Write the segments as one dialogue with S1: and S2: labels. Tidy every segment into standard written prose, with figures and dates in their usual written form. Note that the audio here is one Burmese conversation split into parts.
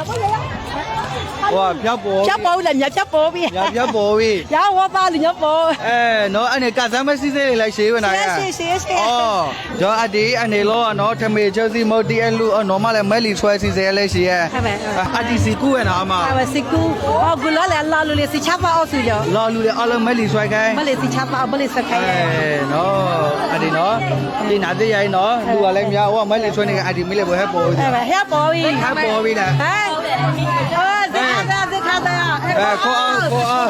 S1: 哇，漂泊，
S2: 漂泊了，你要漂泊呗。
S1: 要漂泊喂。
S2: 然后我把你要泊。
S1: 哎，喏，安尼干啥么事情来写问哪呀？
S2: 谢。
S1: 哦，就阿弟安尼咯，喏，他们就是冇第一路，喏嘛来买里出来是谁来写？阿弟是古人啊嘛？
S2: 是古，哦，古老来老路的是吃饭好吃了。
S1: 老路的阿拉买里出来开。
S2: 没来是吃饭，没来是开。
S1: 哎，喏，阿弟喏，你哪里来喏？路阿来苗，我买里出来那个阿弟没来不海泊。
S2: 海泊喂。
S1: 海泊喂啦。
S2: 哎，这看到呀。
S1: 哎，靠啊！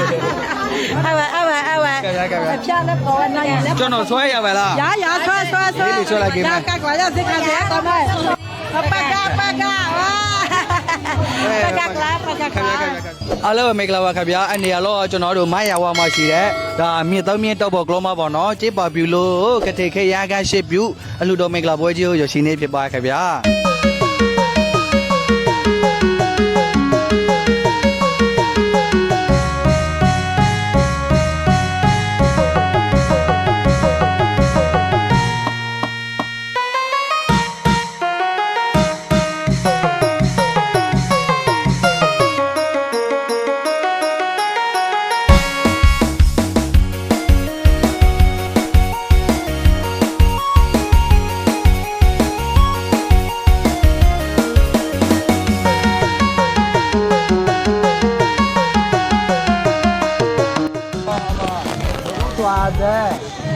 S2: 哎喂，漂亮跑那呀。
S1: 叫侬出来呀，喂啦。
S2: 呀，说。
S1: 你出来给吗？
S2: 赶快要去看谁搞嘛？八嘎
S1: အားလုံးမင်္ဂလာပါခင်ဗျာအနေရတော့ကျွန်တော်တို့မိုင်းရဝါမှာရှိတဲ့ဒါမြစ်သုံးမြစ်တော့ပေါ်ကလောမပေါ့နော်ကျေးပါပြူလို့ကတိခေရကရှစ်ပြူအလှတော်မင်္ဂလာပွဲကြီးကိုရရှိနေဖြစ်ပါခင်ဗျာတဲ့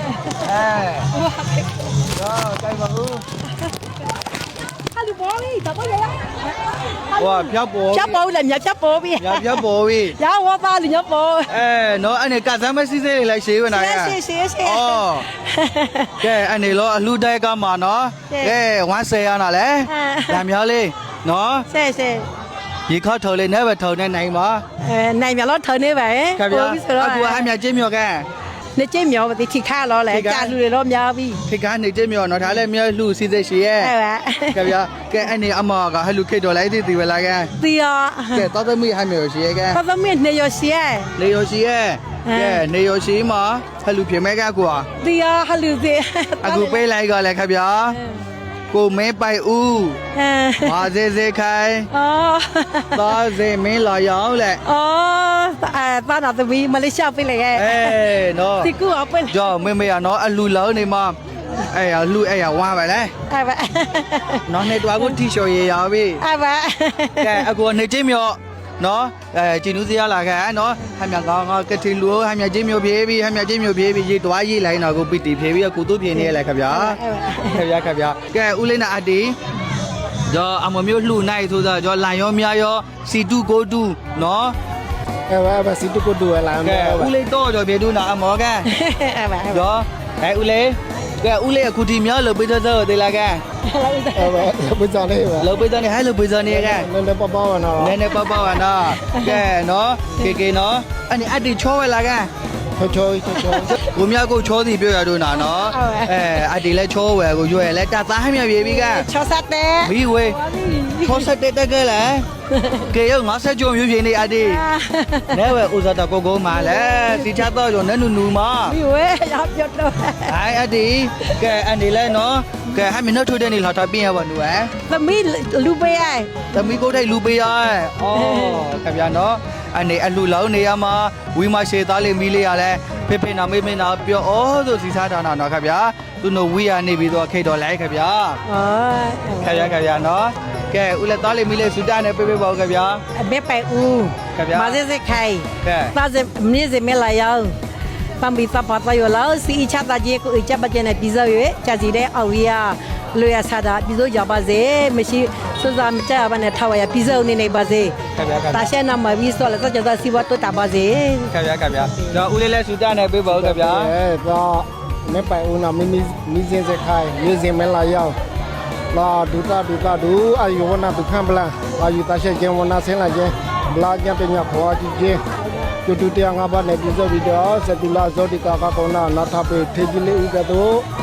S1: ရောကြိုက်ပါဦး
S2: ဟာလူပေါ်ပြီတော့ရ
S1: ဟောဖြတ်ပေါ်
S2: ဖြတ်ပေါ်လည်းမြတ်ဖြတ်ပေါ်ပြီ
S1: ဖြတ်ပေါ်ပြီ
S2: ရဝပါလူညပေါ်
S1: နော်အဲ့ကစားမစီစေးလိုက်ရှေးဝင်လာရ
S2: ရှေး
S1: အော်ကဲအဲ့လောအလှတိုက်ကမှာနော်ကဲ110ရနာလဲဒါမျိုးလေးနော်
S2: ရှေး
S1: ဒီခေါက်ထုံလေးနဲ့ပဲထုံနေနိုင်ပါ
S2: နိုင်မြလို့ထုံနေပါ
S1: ခင်ဗျာအခုအမြချင်းမြော်ကနေ
S2: ကျင်းမြော်ပါတိခါလောလဲကြာလူတွေတော့များပြီ
S1: ထိကနေကျင်းမြော်နော်ဒါလည်းမြော်လှစီစိတ်ရှိရဲ့
S2: ဟုတ်ပါ
S1: ခင်ဗျာကဲအနေအမကဟလူခိတ်တော်လိုက်တီပဲလားကဲ
S2: တီရော
S1: ကဲတော်သမီးဟမြော်ရှိရဲ့ကဲ
S2: တော်သမီးနေရရှိရဲ့
S1: နေရရှိရဲ့ကဲနေရရှိမှာဟလူပြင်မဲ့ကကွာ
S2: တီရောဟလူစီ
S1: အခုပေးလိုက်ကလည်းခင်ဗျာကိုမဲပိုက်ဦးမာစေခိုင်သားစေမင်းလာရောက်လေ
S2: သားနာသမီးမလေးရှားပြလိုက်ရဲ့
S1: နော်
S2: ဒီကူအပွင့်
S1: ကြောမေရနော်အလူလောင်းနေမှာလူဝါပါလေနော်နေတော့ကိုတီရှော်ရရပြီကဲအခုနေချင်းမြော့နော်ကျင်းဦးစရလာခဲ့နော်ဟမြကောင်းကတိလူဟမြချင်းမျိုးပြေးပြီးဟမြချင်းမျိုးပြေးပြီးရေတွားရေးလိုက်တော့ကိုပီတီဖြေးပြီးကုတုပြင်းနေလေခင်ဗျာကဲဦးလေးနာအတီကြောအမမျိုးလှူနိုင်ဆိုတော့ကြောလာရောမြာရောစီတုကိုတုနော်
S3: ဘာစီတုကိုတုလာ
S1: မယ်ဦးလေးတော့ကြောပြေတူနာအမောကကြောဦးလေးကဲဦးလေးအခုဒီမြောက်လို့ပေးတော့သေးလားကဲ
S3: ဘယ်ကြောင့်လဲ
S1: လို့ပေးတော့နေဟဲ့လို့ပေးတော့နေကဲ
S3: နည်းနည်းပေါ့ပေါ့နော်
S1: နည်းနည်းပေါ့ပေါ့နော်ကဲနော်ကေနော်အဲ့အတီချောဝဲလားကဲ
S3: ချော
S1: ကိုမြကိုချောစီပြောရတော့နာနော်အတီလဲချောဝဲကိုရွယ်လဲတသားမြပြေပြီက
S2: ချောဆက်တဲ့
S1: မီဝဲချောဆက်တဲ့တကဲလဲကေရော50ကျော်မျိုးပြင်းနေအတီနဲဝဲဥစားတော့ကိုမာလဲတီချတော့ကျော်နဲနူမာ
S2: မီဝဲရောက်ပြတော့
S1: အတီကဲအနေလဲနော်ကဲဟမင်းတို့ထိုးတဲ့နေလာတော့ပြင်းရပါနူ
S2: သမီးလူပေးရဲ့
S1: သမီးကိုထိုက်လူပေးရဲ့အော်ခင်ဗျာနော်အနေအလှလောင်းနေရမှာဝီမရှိသားလေးမီးလေးရလဲဖေနာမေနာပြောဩဆိုစီစားတာနော်ခင်ဗျာသူတို့ဝီရနေပြီးတော့ခိတ်တော်လိုက်ခင်ဗျာခင်ဗျာနော်ကဲဦးလက်သားလေးမီးလေးစူတာနဲ့ပေးပါဦးခင်ဗျာ
S2: အမေပိုင်ဦး
S1: ခင်ဗျာ
S2: မစစခိုင်သားစမင်းစမလာယောင်ပမ်ဘီသပါတယောလာစီချတာကြီးကိုအချက်ပကျနေပြီးစောရွေးချစီတဲ့အော်ရီယာလွေရဆာတာပြီးစောရပါစေမရှိစစမကြပါနဲ့ထားရပြီးစောနေနေပါစေတာရှဲနာမပြီးစောလည်းကြတော့စီဝတ်တော့တာပါစေ
S1: ခင်ဗျာတော့ဦးလေးလဲစူတာနဲ့ပေးပါဦးခင်ဗျာ
S3: တော့မေပိုင်ဦးနာမီစင်းစခိုင်မျိုးစင်မလာယောင်လာဒူအာယဝနာဒုခံပလာအာယတာရှဲကျင်းဝနာဆင်းလာကျင်းဘလာကျပညာခေါ်ကြည့်ကျင်းတူတရားငါးပါးနဲ့ပြည့်စုံပြီးတော့စတူလာဇောတိကာကကောနာနာထပေထေကြီးလေးဥကတော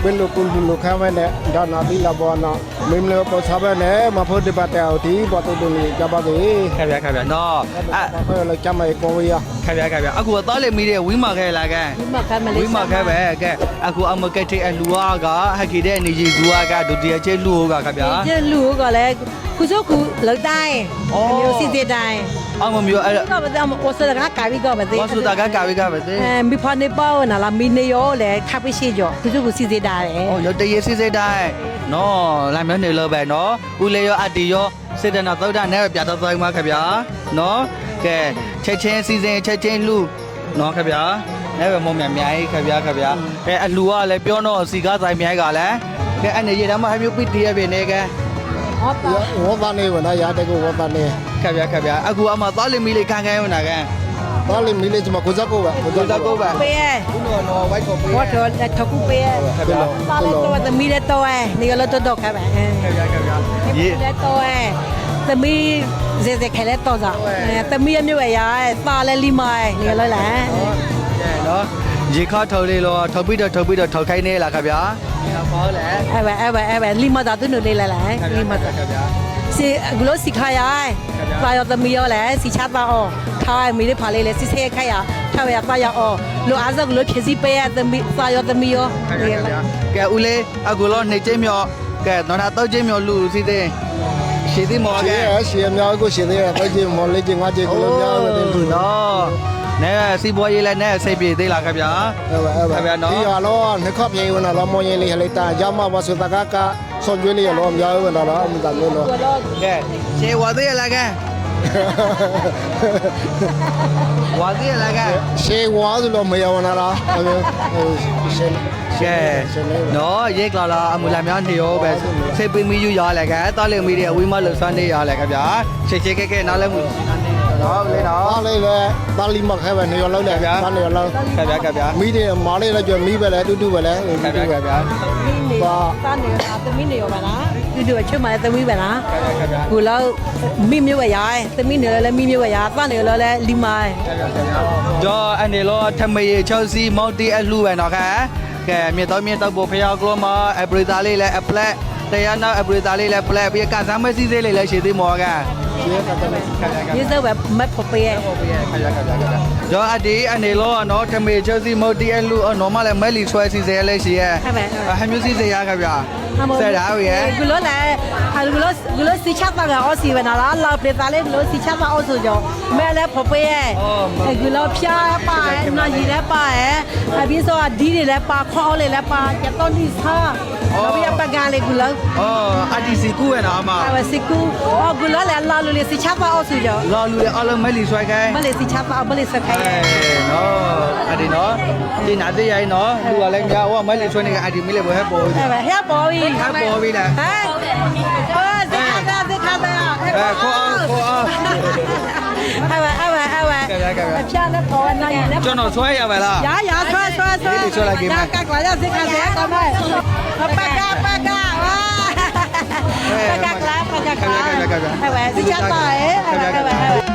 S3: เป็นลูกคุณลูกข้าแม่เนี่ยด้านหน้าที่ลาบอนะมิมเลยพอชาวบ้านเนี่ยมาพูดดีบัตรเอาที่บัตรตัวนี้จะบัตรนี้
S1: ခင်ဗျာနော်
S3: เพื่อเราจะไม่โกงอ่ะ
S1: ခင်ဗျာအခုတော့လေမီတဲ့ဝီမာခဲလာကဲ
S2: ဒီမှာကမလေး
S1: ဝီမာခဲပဲကဲအခုအမကက်တဲ့အလူအားကဟက်ခီတဲ့နေကြီးဇူအားကဒုတိယချေလူကခင်ဗျာ
S2: ကျလူကလည်းခုစုခုလောက်တိုင်းမျိုးစီတဲ့တိုင်း
S1: အမမျိုးအဲ့
S2: ကဘာသာမဝဆဒကကာဗီကဘာသေး
S1: ဝါစုတာကကာဝိကပဲတဲ့
S2: မိဖာနေပေါ့နာလာမီနေရောလေခပ်ပိရှိကြောခုစုခုစီတဲ့တာတယ်
S1: 哦，有的也是在带，喏，来面的老板喏，屋里有阿弟哟，现在那早餐那别的在嘛看边，喏，给切切时间切切路，喏看边，那个莫面面看边，哎，阿路啊来标喏，自家在面个嘞，给俺那些他们还没有被第二边那个，
S2: ဟောပါ
S3: 我把那个那牙这个我把那
S1: 看边，阿姑阿妈早里面来看看有哪个，
S3: 把那米的怎么过这个吧？
S1: 多少个吧？
S2: ပေးရ
S1: 喏，外国杯，
S2: ဘောတော်လက်ထခုပေးရ
S1: 看边，
S2: ပါလေတော့သမီးလက်တော့အဲနေရလို့တော့ခါပါအဲ
S1: 看边，
S2: ဒီလက်တော့အဲသမီးဇေဇေခဲလက်တော့စားသမီးအမျိုးရရပါလဲလီမိုင်းနေရလို့လား
S1: 喏，ရေခါထုတ်လေးလောထုတ်ပြီးတော့ထုတ်ခိုင်းနေလားခင်ဗျာ။ဟောလေ
S2: အဲ့ပဲလီမတာသူတို့လေးလာလားလီမတာ
S1: ခင်ဗျာ
S2: စီဂလိုစီခါရပါရသမီးရောလဲစီချပါအောထားမီလေးဖာလေးလဲစီဆေးခိုက်ရထားရပါရအောလိုအားစကလိုဖြစ်စီပေးရသမီးပါရသမီးရော
S1: ခင်ဗျာကဲဦးလေးအခုလောနေချင်းမြော့ကဲတော့တော့ချင်းမြော့လူစီသေးရှိသေးမော်ကဲ
S3: 是是，苗个现在在这毛来这我这个苗个的。
S1: နော်နဲစီပွားရေးလဲနဲစိတ်ပြေသေးလားခင်ဗျာ
S3: ဒီရလောနှခပ်ပြေဝင်လာမောရင်လေးဟလေတာရမဝဆတကကဆွန်ကျွေးလေးလောမြောက်ဝင်လာတော့မတလို့လော
S1: ကဲရှေဝါသေးလားကဲဝါသေးလားကဲ
S3: ရှေဝါဆိုလို့မရဝင်လာတာရှေ
S1: ကဲနော်ရေကလာအမူလာများနေရောပဲစိတ်ပင်မီယူရလဲကဲတော်လေမီတွေအဝီမလို့စွမ်းနေရလဲခင်ဗျာရှေကဲနားလဲမှုနော်လေနော်
S3: အားလေးပဲတာလီမခဲပဲနေရလောက်လေတာနေရလောက်
S1: ခင်ဗျာ
S3: မိတယ်မားလေးလည်းကြွမီးပဲလေတူတူပဲလေ
S1: ခင်ဗျာ
S2: မီနေတာနေတာသမီးနေရောပါလားဒီတို့ချွတ်မှသမီးပဲလား
S1: ခင်ဗျာ
S2: ကိုလောက်မိမျိုးပဲရသမီးနေလဲမိမျိုးပဲရတာနေလဲလီမိုင်း
S1: ကျော်အနေလောထမေချောစီမော်တီအလှပဲနော်ခါကဲမြေတော့ပို့ဖျောက်ကလောမအပရိသားလေးလဲအပလက်တရားနောက်အပရိသားလေးလဲပလက်ပြီးကစားမစီစေးလေးလဲရှိသေးမော်က
S2: ဒီစပဲမတ်ဖို့ပေးရ
S1: ကျော်အဒီအနေလောနော်ထမေချောစီမော်တီအလှနော်မလဲမဲလီဆွဲစီစေးလဲရှိရဲ့ဟမျိုးစီစေးရခဗျာဆက်တာရဲ့
S2: ဂလိုလဲဂလိုစီချတ်ပါကအော်စီဝနာလာလာပတာလေဂလိုစီချတ်ပါအော်ဆိုကြောမဲလဲဖို့ပေးရဂလိုဖျားပါနော်ရီလဲပါရဲ့အပြီးဆိုဒီတွေလဲပါခေါ်လေးလဲပါကျတော့ဒီစားတော့ပြပကလေးဂလို
S1: အော်အဒီစီကူရဲ့နော်မ
S2: အဝစီကူအော်ဂလိုလဲလာလို့လေစီချတ်ပါအော်ဆိုကြော
S1: လော်လူရဲ့အလုံးမဲလီဆွဲခိုင်း
S2: မလေးစီချတ်ပါမလေးစခိုင်း
S1: နော်အဒီနော်ဒီနာသေးရိုင်းနော်လူကလည်းညာဟောမဲလီဆွဲနေကအဒီမီလေးဘယ်ပေါ်
S2: ဟဲ့ဟဲ့ပေါ်ပြီ
S1: ဟဲ့ပေါ်ပြီလား
S2: ဟဲ့ဇခါဒါ
S1: ခေါ်အောင်
S2: ဟဲ့အချာနဲ့ပေါ်နေတယ်
S1: ကျွန်တော်ဆွဲရပါလား
S2: ရဆွဲကလာရဇခါဇခါကမဲပကဝါပကလာဟဲ့စီချတာဟဲ့